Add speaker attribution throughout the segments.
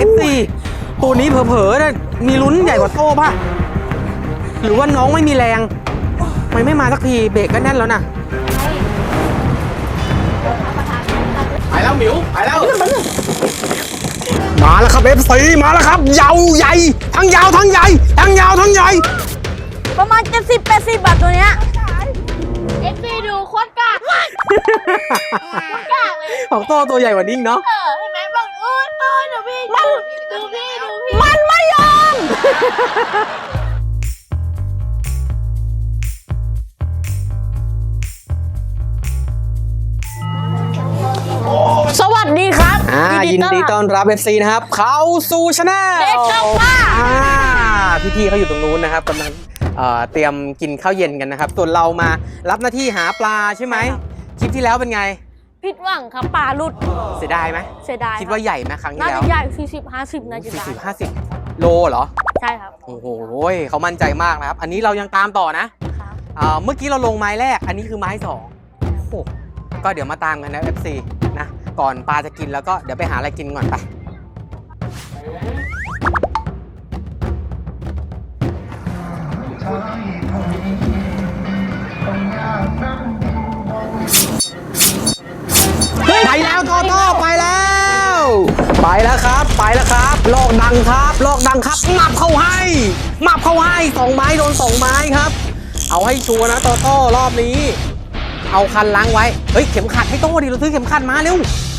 Speaker 1: F4 ตัวนี้เผลอๆนะมีลุ้นใหญ่กว่าโต้ป่ะหรือว่าน้องไม่มีแรงไม่มาสักทีเบรกก็แน่นแล้วนะไปแล้วหมิวไปแล้วมาแล้วครับ F4 มาแล้วครับยาวใหญ่ทั้งยาวทั้งใหญ่ทั้งยาวทั้งใหญ่
Speaker 2: ประมาณ70-80 บาทตัวเนี้ยF4 ดูโคตรกากโคตรกากเลย
Speaker 1: ของโต้ตัวใหญ่กว่านิ่งเนาะ
Speaker 2: เห็นไหมบอกดูพี่มันไม่ยอมสวัสดีครับ
Speaker 1: ยินดีต้อนรับ FC นะครับเข้าสู่ชาแนล
Speaker 2: เด็กเจ้าป้า
Speaker 1: พี่ๆเขาอยู่ตรงนู้นนะครับกำลังเตรียมกินข้าวเย็นกันนะครับส่วนเรามารับหน้าที่หาปลาใช่ไหมคลิปที่แล้วเป็นไง
Speaker 2: ผิดหวังครับปลาหลุด
Speaker 1: เสียดายไหม
Speaker 2: เสียดาย
Speaker 1: คิดว่าใหญ่ไหมครั้งที่แล้ว
Speaker 2: น่าจะใหญ่40-50น่าจะได้
Speaker 1: 40-50โลเหรอ
Speaker 2: ใช่ครับ
Speaker 1: โอ้โหเขามั่นใจมากนะครับอันนี้เรายังตามต่อนะเมื่อกี้เราลงไม้แรกอันนี้คือไม้2โอ้ก็เดี๋ยวมาตามกันนะ FC นะก่อนปลาจะกินแล้วก็เดี๋ยวไปหาอะไรกินก่อนไปไปแล้วโตโต้ไปแล้วครับลอกดังครับหมับเข้าให้2ไม้โดน2ไม้ครับเอาให้ชัวร์นะโตโต้รอบนี้เอาคันล้างไว้เฮ้ยเข็มขัดให้โต้ดิเราซื้อเข็มขัดมาเร็ว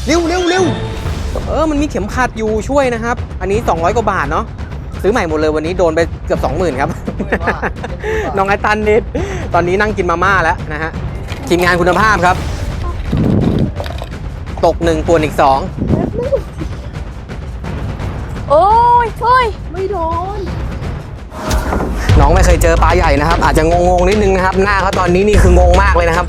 Speaker 1: มันมีเข็มขัดอยู่ช่วยนะครับอันนี้200กว่าบาทเนาะซื้อใหม่หมดเลยวันนี้โดนไปเกือบ 20,000 ครับ น้องไอตันนิดตอนนี้นั่งกินมาม่าแล้วนะฮะทีมงานคุณภาพครับตก1ป่วนอีก2
Speaker 2: โอ้ยไม่โดน
Speaker 1: น้องไม่เคยเจอปลาใหญ่นะครับอาจจะงงนิดนึงนะครับหน้าเขาตอนนี้นี่คืองงมากเลยนะครับ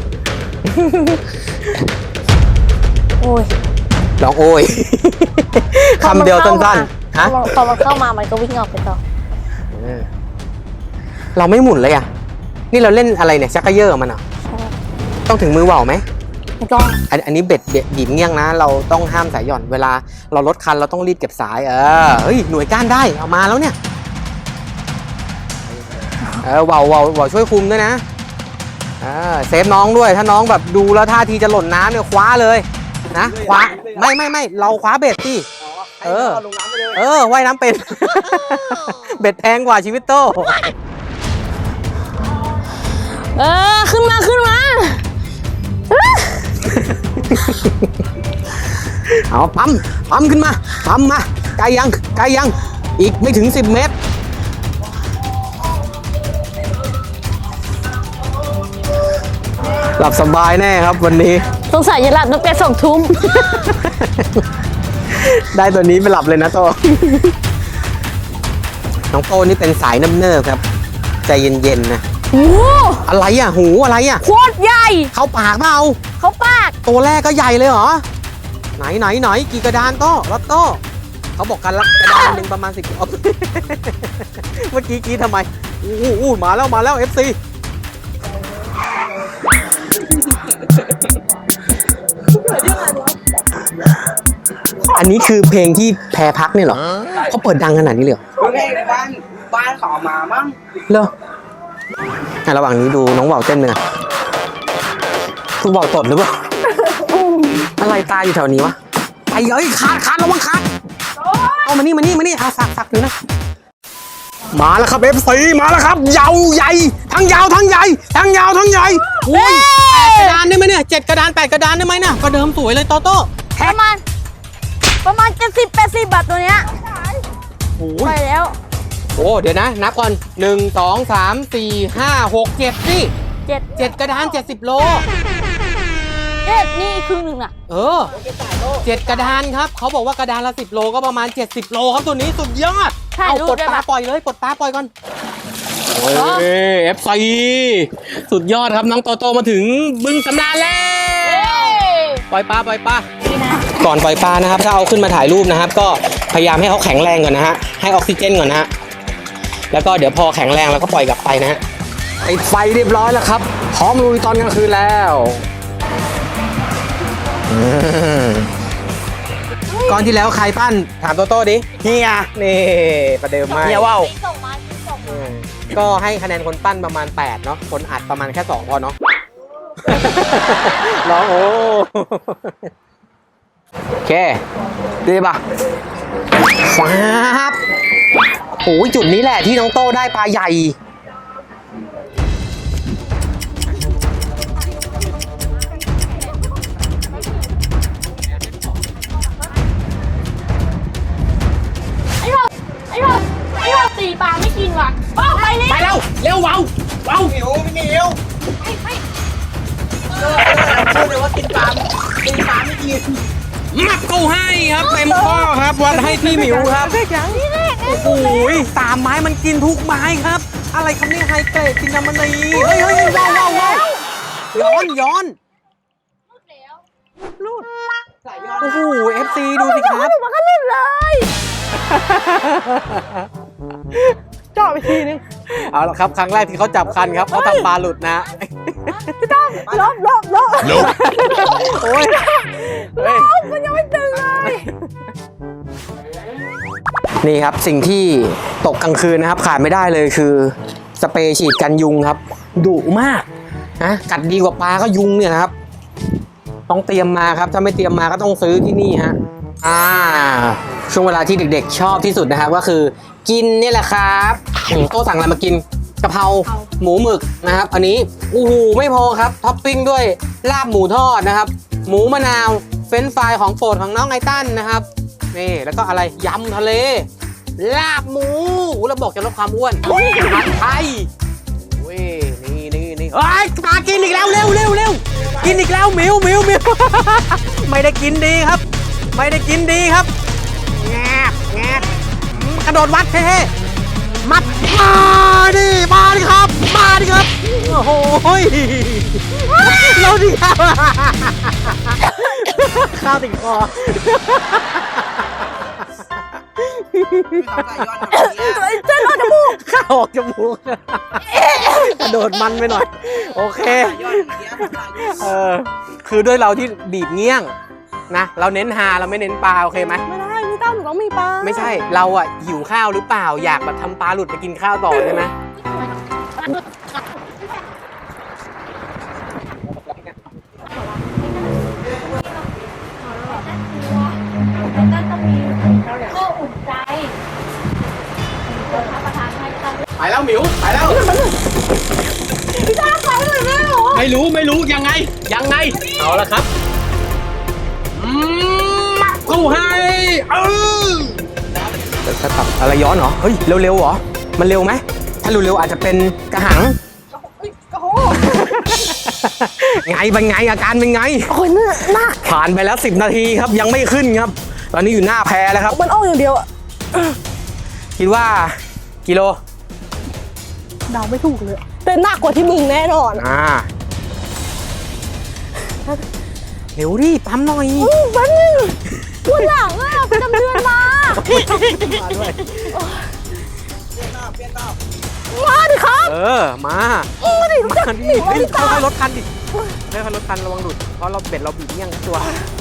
Speaker 2: โอ้ย
Speaker 1: น้องโอ้ยคำเดียวสั้นๆ
Speaker 2: ฮะพอมันเข้ามามันก็วิ่งออกไปต่อ
Speaker 1: เราไม่หมุนเลยอ่ะนี่เราเล่นอะไรเนี่ยชักกระเยอะมันอ่ะต้องถึงมือว่าวไหม
Speaker 2: ต้อง
Speaker 1: อันนี้เบ็ดบีบเงี้ยงนะเราต้องห้ามสายหย่อนเวลาเราลดคันเราต้องรีดเก็บสายเฮ้ยหน่วยก้านได้เอามาแล้วเนี่ยว่าวช่วยคุมด้วยนะเซฟน้องด้วยถ้าน้องแบบดูแล้วท่าทีจะหล่นน้ำเนี่ยคว้าเลยนะคว้าไม่เราคว้าเบ็ดสิว่ายน้ำเป็น เบ็ดแพงกว่าชีวิตโต
Speaker 2: ขึ้นมา
Speaker 1: เอาปั๊มขึ้นมาไกลยังอีกไม่ถึง10 เมตรหลับสบายแน่ครับวันนี้
Speaker 2: สงสัยจะหลับตั้งแต่2 ทุ่ม
Speaker 1: ได้ตัวนี้ไปหลับเลยนะโตน้องโตนี่เป็นสายน้ำเนิบครับใจเย็นๆนะอะไรอ่ะหูอะไรอ่ะ
Speaker 2: โคตรใหญ่
Speaker 1: เข้าปากเปล่า
Speaker 2: เข้าปาก
Speaker 1: ตัวแรกก็ใหญ่เลยเหรอไหนกี่กระดานโต้รถโต้เขาบอกกันละกระดานหนึ่งประมาณ10เมื่อกี้ทำไมมาแล้ว FC อันนี้คือเพลงที่แพรพักนี่เหรอเขาเปิดดังขนาดนี้เลยเหรอ
Speaker 3: เพลงในบ้านเขาเอามามั้ง
Speaker 1: เหรอระหว่างนี้ดูน้องว่าวเต้นเลยคุณว่าวตดหรือเปล่าอะไรตายอยู่แถวนี้วะไปขาดระวังขาดเอามานี่สักหนึ่งนะมาแล้วครับ FC มาแล้วครับยาวใหญ่ทั้งยาวทั้งใหญ่อุ้ย8 กระดานได้ไหมเนี่ย7 กระดาน8 กระดานได้ไหมเนี่ยก็เดิมสวยเลยโตโต้
Speaker 2: ประมาณ70-80 บาทตัวเนี้ยไปแล้ว
Speaker 1: เดี๋ยวนะนับก่อน1 2 3 4 5 6 7สิ7 กระดาน70 โล
Speaker 2: นี่ครึ่งหนึ่งอ่ะ
Speaker 1: 7 กระดานครับเขาบอกว่ากระดานละ10 โลก็ประมาณ70 โลครับตัวนี้สุดยอดเอาปลดปลาปล่อยเลยปลดปลาปล่อยก่อนFC สุดยอดครับน้องโตโตมาถึงบึงสำราญแล้วปล่อยปลาก่อนปล่อยปลานะครับถ้าเอาขึ้นมาถ่ายรูปนะครับก็พยายามให้เขาแข็งแรงก่อนนะฮะให้ออกซิเจนก่อนนะฮะแล้วก็เดี๋ยวพอแข็งแรงแล้วก็ปล่อยกลับไปนะฮะติดไฟเรียบร้อยแล้วครับพร้อมลุยตอนกลางคืนแล้วก้อนที่แล้วใครปั้นถามโตโต้ดิเฮียนี่ประเดิมมากเฮียว่าว
Speaker 2: ส่งมาส่งมา
Speaker 1: ก็ให้คะแนนคนปั้นประมาณ8เนาะคนอัดประมาณแค่2พอเนาะ ร้องโอ้โอเคดีป่ะฟ้าบโอ้ยจุดนี้แหละที่น้องโต้ได้ปลาใหญ่
Speaker 2: ไอ้เราตีปลาไม่กินว่ะออกไปเลย
Speaker 1: ไปแล้วเร็วเว้า
Speaker 3: หิวไม่หิวพูดเลยว่ากินปลาไม่กิน
Speaker 1: มับเข้าให้ครับเต็มข้อครับวัดให้พี่หมิวครับโอ้โหตามไม้มันกินทุกไม้ครับ อะไรครับนี่ไฮเกรดกินน้ำมันนีเฮ้ยว้าวย้อนรูดโอ้โห FC ดูสิครับ
Speaker 2: มันก็เล่นเลย
Speaker 1: เจาะไปทีนึงเอาละครับครั้งแรกที่เขาจับคันครับเขาทำปลาหลุดนะ
Speaker 2: พี่ต้องลบ
Speaker 1: โอ้ย
Speaker 2: มันยังไม่ตึงเลย
Speaker 1: นี่ครับสิ่งที่ตกกลางคืนนะครับขาดไม่ได้เลยคือสเปรย์ฉีดกันยุงครับดุมากนะกัดดีกว่าปลาก็ยุงเนี่ยนะครับต้องเตรียมมาครับถ้าไม่เตรียมมาก็ต้องซื้อที่นี่ฮะช่วงเวลาที่เด็กๆชอบที่สุดนะครับก็คือกินนี่แหละครับโต้สั่งอะไรมากินกะเพราหมูหมึกนะครับอันนี้โอ้โหไม่พอครับท็อปปิ้งด้วยลาบหมูทอดนะครับหมูมะนาวเฟรนช์ฟรายของโปรดของน้องไอตันนะครับนี่แล้วก็อะไรยำทะเลลาบหมูแล้วบอกจะลดความอ้วนผัดไทยเว้ยนี่เฮ้ยมากินอีกแล้วเร็วกินอีกแล้วมิว ไม่ได้กินดีครับไม่ได้กินดีครับแงบกระโดดวัดเท่ๆมัดมาดิครับโอ้โหเราดิครับข้าวติดคอ
Speaker 2: เจ้าหน้าจมูก
Speaker 1: ข้าวออกจมูกกระโดดมันไปหน่อยโอเคคือด้วยเราที่บีบเงี้ยงนะเราเน้นฮาเราไม่เน้นปลาโอเคไหม
Speaker 2: ไม่ได้พี่ตั้มหนูต้องมีปลา
Speaker 1: ไม่ใช่เราอ่ะหิวข้าวหรือเปล่าอยากแบบทำปลาหลุดไปกินข้าวต่อใช่ไหมไปแล้วหมิวไปแล้ว
Speaker 2: พี่ตั้มไปเลยแม่หรอ
Speaker 1: ไม่รู้ยังไงเอาละครับกูให้จะตับอะไรย้อนเหรอเฮ้ยเร็วเหรอมันเร็วไหมถ้าเร็วอาจจะเป็นกระหังไงเป็นไงอาการเป็นไง
Speaker 2: โอ้ยน่า
Speaker 1: ผ่านไปแล้ว10 นาทีครับยังไม่ขึ้นครับตอนนี้อยู่หน้าแพแล้วครับ
Speaker 2: มันออกอย่างเดียวอะ
Speaker 1: คิดว่ากิโล
Speaker 2: เดาไม่ถูกเลยแต่หนักกว่าที่มึงแน่นอน
Speaker 1: เร็วดิปั๊มหน่อย
Speaker 2: แป๊บนึงปวดหลังอะไปดำเนินมา
Speaker 1: ด้วย
Speaker 2: มาดิครับ
Speaker 1: มา
Speaker 2: ดิ
Speaker 1: ค่อยๆลดคันดิค่อยๆลดคันระวังหลุดเพราะเราเบ็ดเราบีบเงี้ยงตัว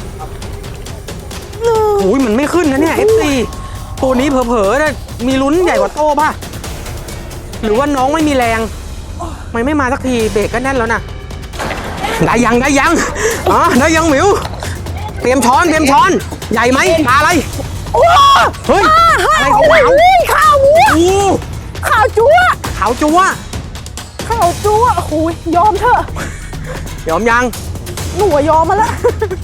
Speaker 1: โอ้ยมันไม่ขึ้นนะเนี่ย FC ตัวนี้เผลอๆนะมีลุ้นใหญ่กว่าโต้ป่ะหรือว่าน้องไม่มีแรงไม่มาสักทีเบรกก็แน่นแล้วนะได้ยังได้ยังหมิวเตรียมช้อนใหญ่ไหมปลาอะไรเฮ้ยอะไรของเขา
Speaker 2: ข้าวจั๊วโอ้ยยอมเถอะ
Speaker 1: ยอมยัง
Speaker 2: หนูยอมมาแล้ว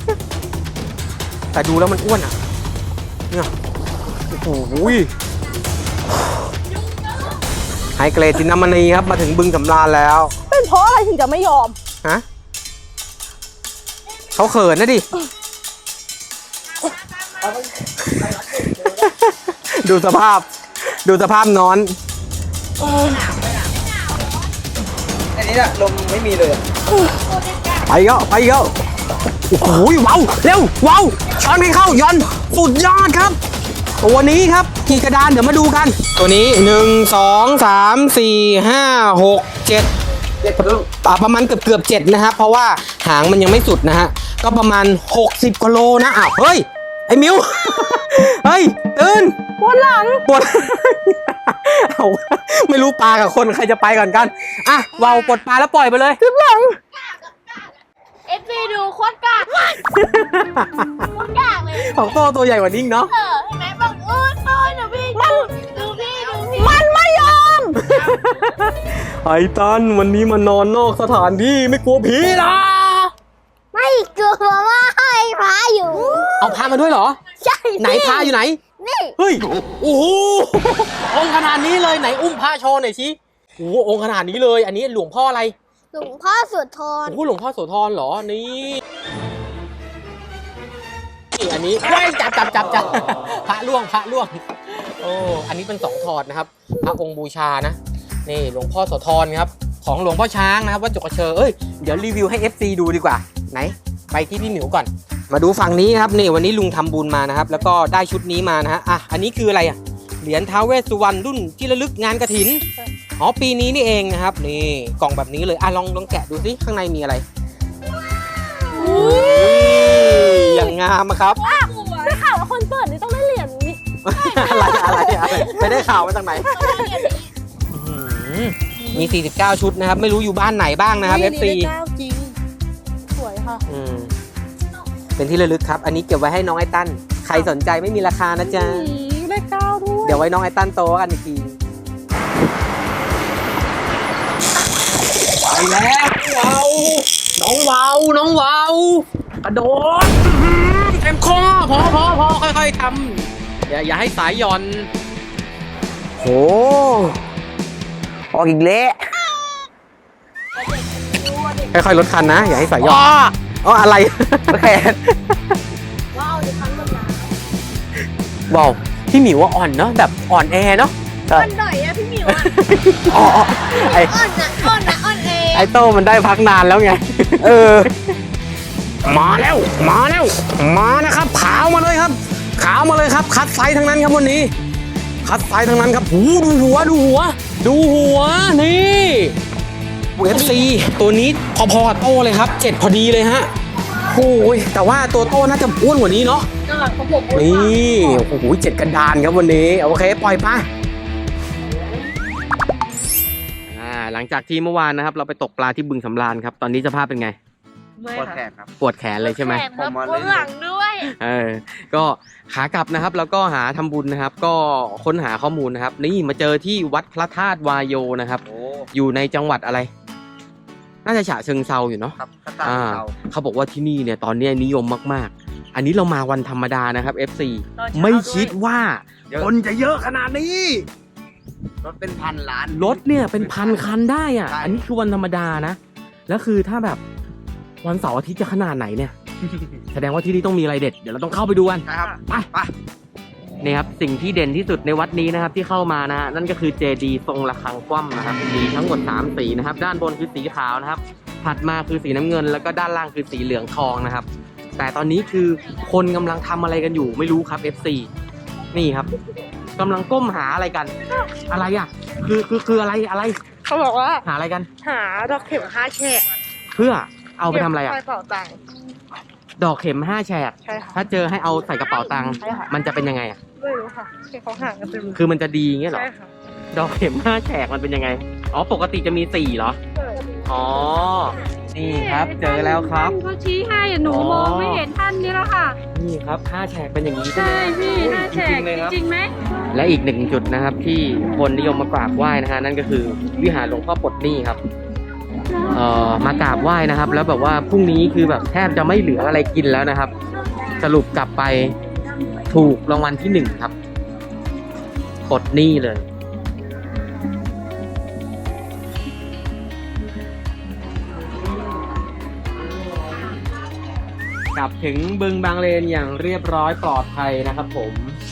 Speaker 1: แต่ดูแล้วมันอ้วนอ่ะเนี่ยโอ้โหไฮเกรดจินน้ำมันนีครับมาถึงบึงสำราญแล้ว
Speaker 2: เป็นเพราะอะไรถึงจะไม่ยอม
Speaker 1: ฮะเขาเขินนะดิดูสภาพนอน
Speaker 3: อันนี้ลมไม่มีเลย
Speaker 1: ไปเยอะโอ้โหว้าวเร็วว้าวช้อนให้เข้าย้อนสุดยอดครับตัวนี้ครับกี่กระดานเดี๋ยวมาดูกันตัวนี้1 2 3 4 5 6 7ประมาณเกือบ7นะครับเพราะว่าหางมันยังไม่สุดนะฮะก็ประมาณ60 กิโลนะอ้าวเฮ้ยไอ้มิว เฮ้ยตื่น
Speaker 2: ปวดหลัง
Speaker 1: ปวด เอาไม่รู้ปลากับคนใครจะไปก่อนกัน อ่ะเวาวปลดปลาแล้วปล่อยไปเลย
Speaker 2: เจ็บหลัง FC ดูโคตรกากโคตรกากเลย
Speaker 1: ของโตตัวใหญ่กว่านิ่งเนาะ
Speaker 2: เห็นไหมบอกดูพี่ดูพี่มันไม่ยอม
Speaker 1: ไอ้ตันวันนี้มานอนนอกสถานที่ไม่กลัวผีหรอ
Speaker 2: ไม่กลัวว่าให้พระอยู่
Speaker 1: เอาพามาด้วยเหรอ
Speaker 2: ใช่
Speaker 1: ไหนพาอยู่ไหน
Speaker 2: นี่
Speaker 1: เฮ้ย โอ้โห องค์ขนาดนี้เลยไหนอุ้มพระโชว์หน่อยสิโอ้โหองค์ขนาดนี้เลย อันนี้หลวงพ่ออะไร
Speaker 2: หลวงพ่อสุดทน
Speaker 1: โอ้โหหลวงพ่อโสธรเหรอ นี่นี่อันนี้เฮ้ยจับ พระล่วง โอ้ อันนี้เป็น2ถอดนะครับ พระองค์บูชานะ นี่หลวงพ่อโสธรครับ ของหลวงพ่อช้างนะครับวัดจุกกระเชอเอ้ย เดี๋ยวรีวิวให้ FC ดูดีกว่า ไหน ไปที่พี่หมิวก่อน มาดูฝั่งนี้ครับ นี่วันนี้ลุงทำบุญมานะครับ แล้วก็ได้ชุดนี้มานะฮะ อ่ะ อันนี้คืออะไรอ่ะ เหรียญท้าวเวสสุวรรณรุ่นที่ระลึกงานกฐิน อ๋อ ปีนี้นี่เองนะครับ นี่กล่องแบบนี้เลย อ่ะ ลองแกะดูสิข้างในมีอะไร อย่างงามอะครับ
Speaker 2: ได้ข่าวว่าคนเปิดนี่ต้องได้เหรียญนี่
Speaker 1: อะไรไปได้ข่าวมาจากไหนมี 49 ชุดนะครับ ไม่รู้อยู่บ้านไหนบ้างนะครับ FC
Speaker 2: จริงสวยค่ะ
Speaker 1: เป็นที่ระลึกครับ อันนี้เก็บไว้ให้น้องไอตันใครสนใจไม่มีราคานะจ๊ะ
Speaker 2: ได้เก้าด้วย
Speaker 1: เดี๋ยวไว้น้องไอตันโตกันอีกทีไปแล้วน้องเวาวกระโดดเต็มคอพอค่อยๆทำอย่าให้สายหย่อนโหออกอีกเละค่อยๆลดคันนะอย่าให้สายหย่อนอ๋ออะไรแขน
Speaker 2: ว้าวจะทั้งหมดนะ
Speaker 1: บอกพี่หมิวว่าอ่อนเนาะแบบอ่อนแอเนาะ
Speaker 2: อ่อนหน่อยอะพี่หมิวอะ
Speaker 1: อ๋อไอ
Speaker 2: อ่อนเอง
Speaker 1: ไอโต้มันได้พักนานแล้วไงมาแล้วมานะครับขาวมาเลยครับคัดไซส์ทั้งนั้นครับวันนี้คัดไซส์ทั้งนั้นครับหูดูหัวนี่UFC ตัวนี้พอโต้เลยครับ7พอดีเลยฮะโอ้ยแต่ว่าตัวโต้น่าจะอ้วนกว่านี้เนาะ
Speaker 2: ของผม
Speaker 1: นี่โอ้โห7กระดานครับวันนี้โอเคปล่อยไปหลังจากที่เมื่อวานนะครับเราไปตกปลาที่บึงสำราญครับตอนนี้สภาพเป็นไง
Speaker 3: ปวดแขนครับ
Speaker 1: ปวดแขนเลยใช่ไหม
Speaker 2: ผมมาเลยหลังด้วย
Speaker 1: ก็ขากลับนะครับแล้วก็หาทำบุญนะครับ ก็ค้นหาข้อมูลนะครับนี่มาเจอที่วัดพระธาตุวายโยนะครับ
Speaker 3: โอ้
Speaker 1: อยู่ในจังหวัดอะไร น่าจะฉะเชิงเทราอยู่เนาะ
Speaker 3: ครับกระต่ายเต่า
Speaker 1: เขาบอกว่าที่นี่เนี่ยตอนนี้นิยมมากๆ อันนี้เรามาวันธรรมดานะครับ FC ไม่คิดว่าคนจะเยอะขนาดนี้
Speaker 3: รถเป็นพันล้าน
Speaker 1: รถเนี่ยเป็นพันคันได้อ่ะ
Speaker 3: ใช่
Speaker 1: อันนี้คือวันธรรมดานะ แล้วคือถ้าแบบวันเสาร์อาทิตย์จะขนาดไหนเนี่ย แสดงว่าที่นี่ต้องมีอะไรเด็ด เดี๋ยวเราต้องเข้าไปดูกัน
Speaker 3: นะครับ
Speaker 1: ไปนี่ครับสิ่งที่เด่นที่สุดในวัดนี้นะครับที่เข้ามานะฮะนั่นก็คือเจดีย์ทรงระฆังคว่ำนะครับมีทั้งหมด3สีนะครับด้านบนคือสีขาวนะครับถัดมาคือสีน้ำเงิน แล้วก็ด้านล่างคือสีเหลืองทองนะครับแต่ตอนนี้คือคนกำลังทำอะไรกันอยู่ไม่รู้ครับ FC นี่ครับกำลังก้มหาอะไรกัน อะไรอ่ะคืออะไร
Speaker 2: เขาบอกว่า
Speaker 1: หาอะไรกัน
Speaker 2: หาดอกเข็ม5แฉก
Speaker 1: เพื่อเอาไปทำอะไรอ่ะ
Speaker 2: ใส่เป๋าตังค์
Speaker 1: ดอกเข็ม5แฉก
Speaker 2: ใช่ค่ะ
Speaker 1: ถ้าเจอให้เอาใส่กระเป๋าตังค์
Speaker 2: ใช่ค่ะ
Speaker 1: มันจะเป็นยังไงอ่ะ
Speaker 2: ไม่รู้ค่ะแค่เขาหากันเต็ม
Speaker 1: คือมันจะดีอย่างเงี้ยเหรอ
Speaker 2: ใช่ค่ะ
Speaker 1: ดอกเข็ม5แฉกมันเป็นยังไงอ๋อปกติจะมี4เหรออ๋อนี่ครับเจอแล้วครับ
Speaker 4: เขาชี้ให้หนูมองไม่เห็นท่านนี่แล้วค่ะ
Speaker 1: นี่ครับ5แฉกเป็นอย่างนี้ใช่ไหม
Speaker 4: ใช่พี่
Speaker 1: โอ้ย
Speaker 4: ห้าแฉ
Speaker 1: จริ
Speaker 4: ก
Speaker 1: งๆเลยครับ
Speaker 4: จริงไหม
Speaker 1: และอีกหนึ่งจุดนะครับที่คนนิยมมากราบไหว้นะฮะนั่นก็คือวิหารหลวงพ่อปลดหนี้ครับมากราบไหว้นะครับ แล้วแบบว่าพรุ่งนี้คือแบบแทบจะไม่เหลืออะไรกินแล้วนะครับ สรุปกลับไปถูกรางวัลที่1ครับปลดหนี้เลย กลับถึงบึงบางเลนอย่างเรียบร้อยปลอดภัยนะครับผม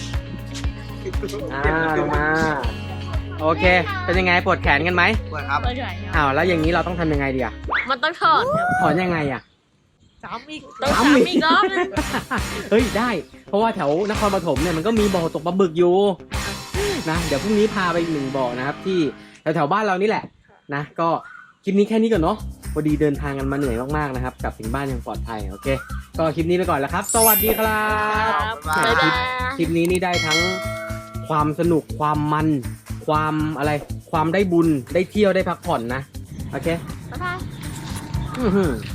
Speaker 1: ลงมาโอเค เป็นยังไงปวดแขนกันไหม
Speaker 3: ปวดครับ
Speaker 2: เปิดใหญ่ครับ
Speaker 1: อ้าวแล้วอย่างนี้เราต้องทำยังไงดีอะ
Speaker 2: มันต้องถอดครับ
Speaker 1: ถอนยังไงอะ
Speaker 2: ซ้ำอีกต้องซ้ำอีกรอบนึง
Speaker 1: เฮ้ยได้ เพราะว่าแถวนครปฐมเนี่ยมันก็มีบ่อตกปลาบึกอยู่นะเดี๋ยวพรุ่งนี้พาไปอีก1บ่อนะครับที่แถวๆบ้านเรานี่แหละนะก็คลิปนี้แค่นี้ก่อนเนาะพอดีเดินทางกันมาเหนื่อยมากๆนะครับกลับถึงบ้านอย่างปลอดภัยโอเคก็คลิปนี้ไปก่อนแล้วครับ สวัสดีครับ
Speaker 2: บ๊ายบาย
Speaker 1: คลิปนี้นี่ได้ทั้งความสนุกความมันความอะไรความได้บุญได้เที่ยวได้พักผ่อนนะ โอเค
Speaker 2: บ๊ายบาย
Speaker 1: อื้อหือ